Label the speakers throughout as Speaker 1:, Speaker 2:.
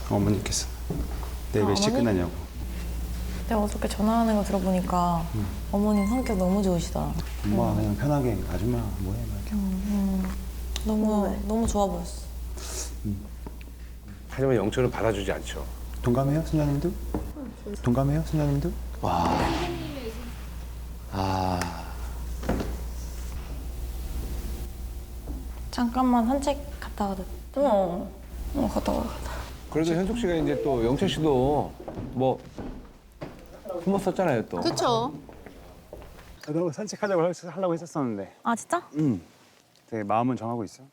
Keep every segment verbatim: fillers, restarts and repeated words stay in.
Speaker 1: 어머니께서 내일
Speaker 2: 아,
Speaker 1: 몇 시에
Speaker 2: 어머니?
Speaker 1: 끝나냐고.
Speaker 2: 내가 어저께 전화하는 거 들어보니까
Speaker 1: 응.
Speaker 2: 어머님 성격 너무 좋으시더라.
Speaker 1: 엄마 그냥 편하게 아줌마 뭐해 막 이렇게.
Speaker 2: 음, 너무 너무 좋아 보였어.
Speaker 3: 하지만 영철은 받아주지 않죠.
Speaker 1: 동감해요, 순자님도? 동감해요, 순자님도?
Speaker 4: 와. 아.
Speaker 2: 잠깐만 산책 갔다 와도 돼?
Speaker 5: 어, 어 갔다 와.
Speaker 3: 그래도 현숙 씨가 이제 또 영철 씨도 뭐 품었었잖아요 또.
Speaker 5: 그쵸?
Speaker 1: 나도 산책하자고 하- 하려고 했었었는데.
Speaker 2: 아 진짜?
Speaker 1: 응. 되게 마음은 정하고 있어.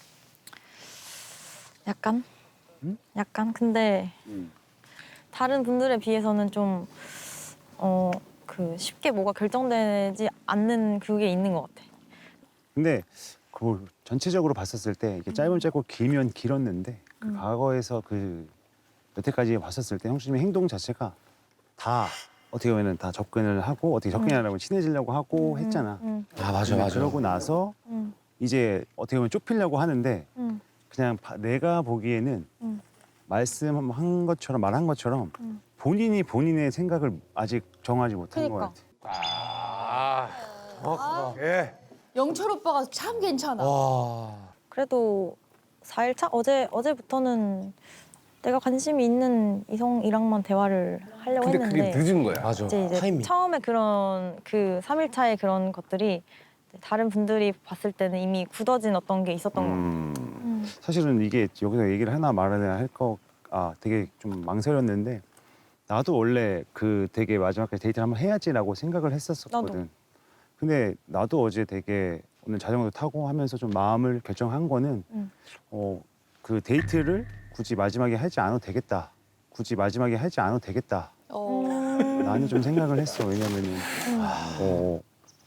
Speaker 2: 약간?
Speaker 1: 응?
Speaker 2: 약간? 근데
Speaker 1: 응.
Speaker 2: 다른 분들에 비해서는 좀 어, 그 쉽게 뭐가 결정되지 않는 그게 있는 것 같아.
Speaker 1: 근데 그 전체적으로 봤었을 때 이게 짧으면 짧고 길면 길었는데 그 과거에서 그 여태까지 봤었을 때 형수님의 행동 자체가 다 어떻게 보면은 다 접근을 하고 어떻게 접근하려고 친해지려고 하고 했잖아.
Speaker 2: 응,
Speaker 4: 아 맞아
Speaker 1: 근데
Speaker 4: 맞아.
Speaker 1: 그러고 나서
Speaker 2: 응,
Speaker 1: 이제 어떻게 보면 좁히려고 하는데
Speaker 2: 응,
Speaker 1: 그냥 바- 내가 보기에는
Speaker 2: 응.
Speaker 1: 말씀한 것처럼 말한 것처럼
Speaker 2: 응.
Speaker 1: 본인이 본인의 생각을 아직 정하지 못한 것
Speaker 2: 그러니까.
Speaker 1: 같아.
Speaker 3: 아. 어, 예.
Speaker 5: 영철 오빠가 참 괜찮아.
Speaker 4: 와.
Speaker 2: 그래도 사 일 차? 어제, 어제부터는 내가 관심이 있는 이성이랑만 대화를 하려고
Speaker 3: 근데
Speaker 2: 했는데
Speaker 3: 그게 늦은 거야.
Speaker 4: 맞아.
Speaker 2: 이제, 이제
Speaker 4: 타이밍.
Speaker 2: 처음에 그런 그 삼 일 차의 그런 것들이 다른 분들이 봤을 때는 이미 굳어진 어떤 게 있었던 것 같아.
Speaker 1: 음,
Speaker 2: 음.
Speaker 1: 사실은 이게 여기서 얘기를 하나 말아야 할 거, 아, 되게 좀 망설였는데 나도 원래 그 되게 마지막까지 데이트를 한번 해야지라고 생각을 했었었거든.
Speaker 2: 나도.
Speaker 1: 근데 나도 어제 되게 오늘 자전거 타고 하면서 좀 마음을 결정한 거는
Speaker 2: 음.
Speaker 1: 어, 그 데이트를 굳이 마지막에 하지 않아도 되겠다. 굳이 마지막에 하지 않아도 되겠다.
Speaker 5: 어.
Speaker 1: 나는 좀 생각을 했어. 왜냐면은 어,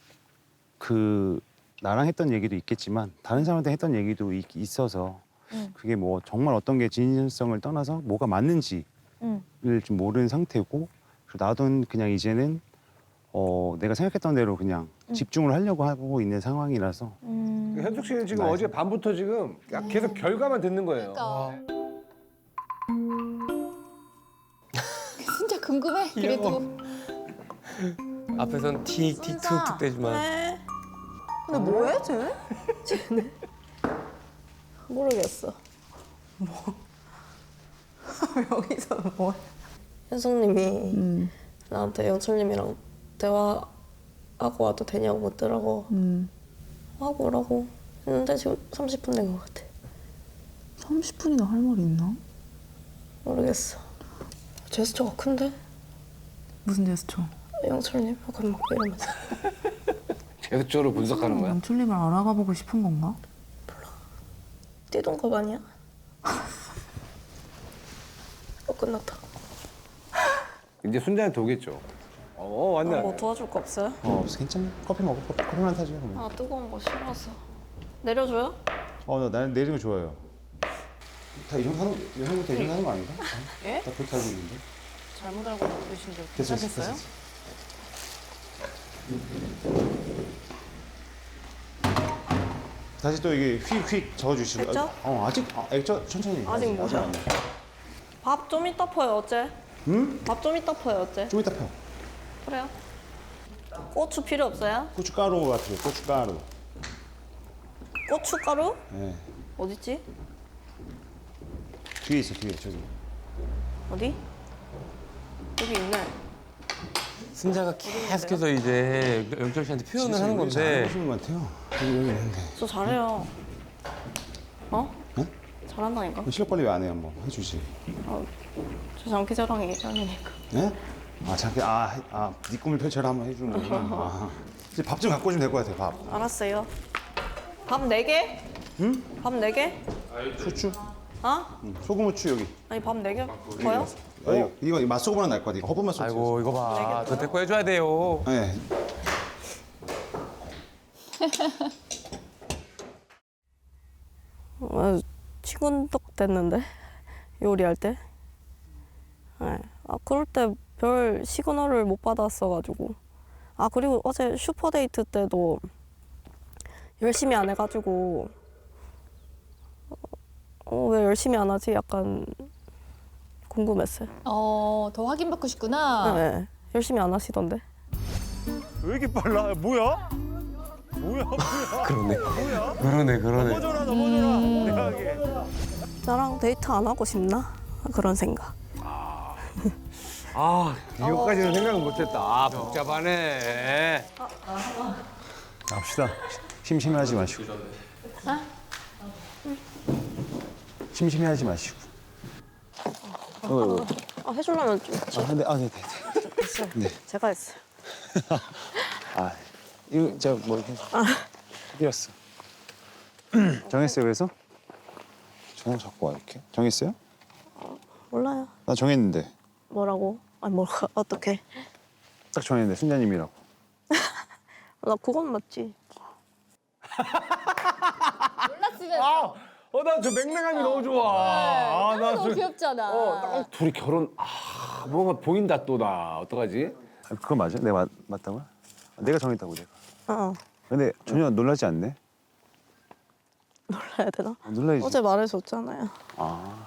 Speaker 1: 그 나랑 했던 얘기도 있겠지만 다른 사람한테 했던 얘기도 있, 있어서
Speaker 2: 음.
Speaker 1: 그게 뭐 정말 어떤 게 진실성을 떠나서 뭐가 맞는지를
Speaker 2: 음.
Speaker 1: 좀 모르는 상태고 그리고 나도 그냥 이제는 어, 내가 생각했던 대로 그냥
Speaker 2: 음.
Speaker 1: 집중을 하려고 하고 있는 상황이라서
Speaker 2: 음.
Speaker 3: 현숙 씨는 지금
Speaker 1: 네.
Speaker 3: 어제 밤부터 지금 계속 결과만 듣는 거예요.
Speaker 5: 그러니까. 진짜 궁금해. 그래도.
Speaker 4: 앞에선 틱틱 툭툭 대지만.
Speaker 5: 근데 뭐해 쟤? 쟤는 모르겠어. 뭐? 여기서 뭐?
Speaker 6: 현숙님이
Speaker 5: 음.
Speaker 6: 나한테 영철님이랑 대화하고 와도 되냐고 묻더라고.
Speaker 5: 음.
Speaker 6: 하고 오라고 했는데 지금 삼십 분 된 것 같아.
Speaker 5: 삼십 분이나 할 말이 있나?
Speaker 6: 모르겠어. 제스처가 큰데?
Speaker 5: 무슨 제스처?
Speaker 6: 영철님 약간 막 이러면서.
Speaker 3: 제스처로 분석하는 거야.
Speaker 5: 영철님을 알아가 보고 싶은 건가?
Speaker 6: 띠동갑 아니야? 어 끝났다.
Speaker 3: 이제 순자한테 오겠죠. 어 왔네.
Speaker 6: 뭐 도와줄 거 없어요?
Speaker 1: 어, 괜찮아. 커피 먹어. 커피, 커피만 사줘. 그러면.
Speaker 6: 아 뜨거운 거 싫어서. 내려줘요?
Speaker 1: 어, 나 나는 내리는 거 좋아해요. 다 이 정도 하는, 이 정도 다 이 정도 하는 거 아닌가?
Speaker 6: 예?
Speaker 1: 다 그렇게 알고 있는데.
Speaker 6: 잘못 알고 계신데
Speaker 1: 됐어, 됐어,
Speaker 6: 괜찮겠어요?
Speaker 1: 됐어. 다시 또 이게 휙휙 저어주시고.
Speaker 6: 액젓?
Speaker 1: 어, 아직 아, 액젓 천천히.
Speaker 6: 아직 뭐죠?
Speaker 1: 안 돼.
Speaker 6: 밥 좀 이따 퍼요 어째?
Speaker 1: 응?
Speaker 6: 밥 좀 이따 퍼요 어째?
Speaker 1: 좀 이따 펴.
Speaker 6: 그래요? 고추 필요 없어요?
Speaker 1: 고춧가루 같은 거, 고춧가루.
Speaker 6: 고춧가루?
Speaker 1: 예.
Speaker 6: 어딨지?
Speaker 1: 뒤에 있어, 뒤에 저기.
Speaker 6: 어디? 여기 있네.
Speaker 4: 순자가 계속해서 이제 영철 씨한테 표현을 하는 건데
Speaker 1: 잘하시는 것 같아요. 여기 여기 있는데.
Speaker 6: 저 잘해요. 어?
Speaker 1: 응?
Speaker 6: 잘한다니까?
Speaker 1: 실력 관리 왜 안 해요? 한번 해주지.
Speaker 6: 아, 저 장기자랑이 짱이니까.
Speaker 1: 네? 아 잠깐 아, 아, 네 꿈을 펼쳐라 한번 해주는 거구나. 아. 이제 밥 좀 갖고 오시면 될 것 같아요. 밥.
Speaker 6: 알았어요. 밥 네 개?
Speaker 1: 응?
Speaker 6: 밥 네 개?
Speaker 1: 후추.
Speaker 6: 어?
Speaker 1: 응. 소금 후추 여기.
Speaker 6: 아니 밥 네 개? 더요?
Speaker 1: 아, 이거 이거 맛소금은 날 것 같아. 이거 허브맛 소금.
Speaker 4: 아이고 이거 봐. 저 데리고 해줘야 돼요.
Speaker 1: 네.
Speaker 6: 아, 치근덕 됐는데 요리할 때. 네. 아 그럴 때 별 시그널을 못 받았어가지고. 아 그리고 어제 슈퍼데이트 때도 열심히 안 해가지고 어 왜 열심히 안 하지? 약간 궁금했어요.
Speaker 7: 어, 더 확인받고 싶구나.
Speaker 6: 네, 열심히 안 하시던데.
Speaker 1: 왜 이렇게 빨라? 뭐야? 뭐야?
Speaker 4: 그러네.
Speaker 1: 뭐야?
Speaker 4: 그러네, 그러네.
Speaker 1: 넘어져라 넘어져라. 내가 하게.
Speaker 6: 나랑 데이트 안 하고 싶나? 그런 생각.
Speaker 3: 아, 이거까지는 생각을 못했다. 아, 복잡하네.
Speaker 1: 갑시다. 심심해하지 마시고. 심심해하지 마시고. 어, 어,
Speaker 6: 아, 해주려면 좀
Speaker 1: 아, 네, 아, 네, 네, 네.
Speaker 6: 제가 했어요.
Speaker 1: 아, 이거 제가 뭐 이렇게 해드렸어. 정했어요, 그래서? 저는 자꾸 와 이렇게. 정했어요?
Speaker 6: 몰라요.
Speaker 1: 나 정했는데.
Speaker 6: 뭐라고? 아니 뭐가 어떻게?
Speaker 1: 딱 정했는데 순자님이라고.
Speaker 6: 나 그건 맞지.
Speaker 3: 아, 어, 나 저 맹맹함이 너무 좋아. 아, 나
Speaker 7: 너무
Speaker 3: 저-
Speaker 7: 귀엽잖아.
Speaker 3: 어, 딱 둘이 결혼. 아, 뭔가 보인다 또 나. 어떡하지?
Speaker 1: 아, 그거 맞아? 내가 맞, 맞다고요? 아, 내가 정했다고 내가.
Speaker 6: 어,
Speaker 1: 근데 전혀 놀라지 않네.
Speaker 6: 놀라야 되나?
Speaker 1: 아, 놀라야지.
Speaker 6: 어제 말해줬잖아요.
Speaker 1: 아,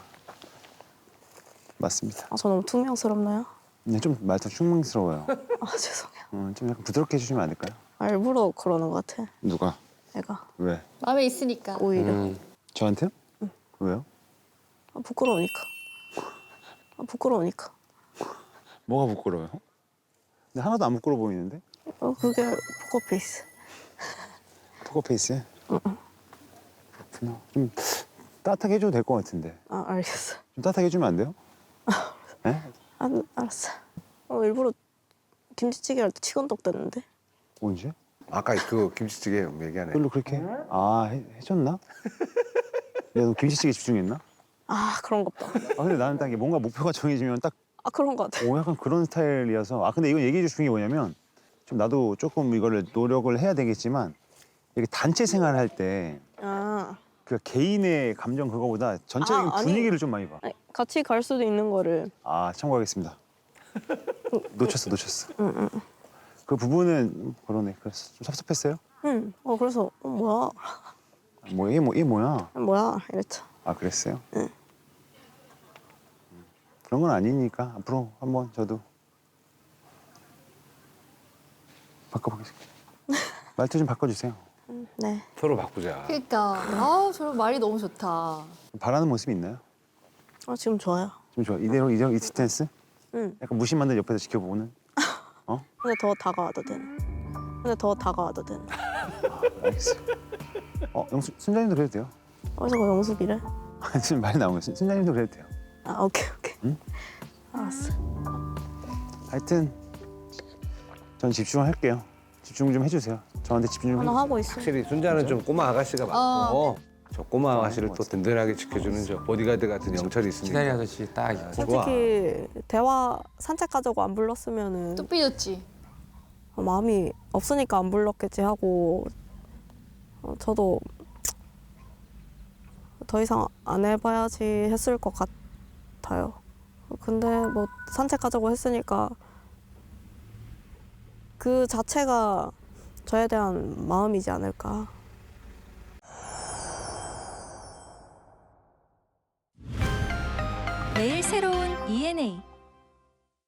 Speaker 1: 맞습니다.
Speaker 6: 아, 저 너무 투명스럽나요?
Speaker 1: 근데 좀 말투 충망스러워요.
Speaker 6: 아, 죄송해요.
Speaker 1: 음, 좀 약간 부드럽게 해주시면 안 될까요?
Speaker 6: 아, 일부러 그러는 것 같아.
Speaker 1: 누가?
Speaker 6: 애가
Speaker 1: 왜?
Speaker 7: 마음에 있으니까.
Speaker 6: 오히려
Speaker 4: 음.
Speaker 1: 저한테요? 왜요?
Speaker 6: 아, 부끄러우니까. 아, 부끄러우니까.
Speaker 1: 뭐가 부끄러워요? 근데 하나도 안 부끄러워 보이는데?
Speaker 6: 어, 그게 포커페이스.
Speaker 1: 포커페이스? 그렇구나. 좀 따뜻하게 해줘도 될 것 같은데.
Speaker 6: 아, 알겠어.
Speaker 1: 좀 따뜻하게 해주면 안 돼요? 네?
Speaker 6: 아, 알았어. 어, 일부러 김치찌개 할 때 치건덕 됐는데.
Speaker 1: 언제?
Speaker 3: 아까 그 김치찌개 얘기하네.
Speaker 1: 별로 그렇게? 아, 해, 해줬나? 내가 너 김치찌개 집중했나?
Speaker 6: 아, 그런 것 봐.
Speaker 1: 아, 근데 나는 딱 이게 뭔가 목표가 정해지면 딱,
Speaker 6: 아, 그런 것 같아.
Speaker 1: 오, 약간 그런 스타일이어서. 아, 근데 이건 얘기해 주신 게 뭐냐면, 좀 나도 조금 이거를 노력을 해야 되겠지만, 이렇게 단체 생활을 할 때,
Speaker 6: 아,
Speaker 1: 그 개인의 감정 그거보다 전체적인
Speaker 6: 아, 아니.
Speaker 1: 분위기를 좀 많이 봐.
Speaker 6: 아니, 같이 갈 수도 있는 거를.
Speaker 1: 아, 참고하겠습니다. 놓쳤어, 놓쳤어. 그 부분은 그러네. 그래서 좀 섭섭했어요?
Speaker 6: 응. 어, 그래서 어, 뭐야?
Speaker 1: 뭐, 얘, 뭐, 얘 뭐야?
Speaker 6: 아, 뭐야? 이랬죠.
Speaker 1: 아, 그랬어요?
Speaker 6: 응.
Speaker 1: 음, 그런 건 아니니까 앞으로 한번 저도 바꿔보겠습니다. 말투 좀 바꿔주세요.
Speaker 6: 음, 네.
Speaker 3: 서로 바꾸자.
Speaker 7: 그러니까. 아, 저 말이 너무 좋다.
Speaker 1: 바라는 모습이 있나요?
Speaker 6: 어, 지금 좋아요.
Speaker 1: 좀 좋아. 이대로 이대로 이 스탠스?
Speaker 6: 응.
Speaker 1: 약간 무심한데 옆에서 지켜보는?
Speaker 6: 근데 더 다가와도 되는. 근데 더 다가와도 되는.
Speaker 1: 알겠어요. 어, 영수, 순자님도 그래도 돼요.
Speaker 6: 어디서 그 영숙이래?
Speaker 1: 지금 말이 나온 거예요. 순- 순자님도 그래도 돼요.
Speaker 6: 아, 오케이, 오케이.
Speaker 1: 응?
Speaker 6: 알았어.
Speaker 1: 하여튼 전 집중을 할게요. 집중 좀 해주세요. 저한테 집중 좀
Speaker 6: 하나
Speaker 1: 해주세요.
Speaker 6: 하고 있어.
Speaker 3: 확실히 순자는 좀 꼬마 아가씨가 맞고 저 꼬마 아가씨를 또 든든하게 지켜주는 저 보디가드 같은 영철이 있으니까.
Speaker 4: 기다리 아저씨 딱 있고.
Speaker 6: 솔직히 대화 산책 가자고 안 불렀으면은
Speaker 7: 또 삐졌지.
Speaker 6: 어, 마음이 없으니까 안 불렀겠지 하고 어, 저도 더 이상 안 해봐야지 했을 것 같아요. 근데 뭐 산책 가자고 했으니까 그 자체가 저에 대한 마음이지 않을까.
Speaker 8: 매일 새로운 이엔에이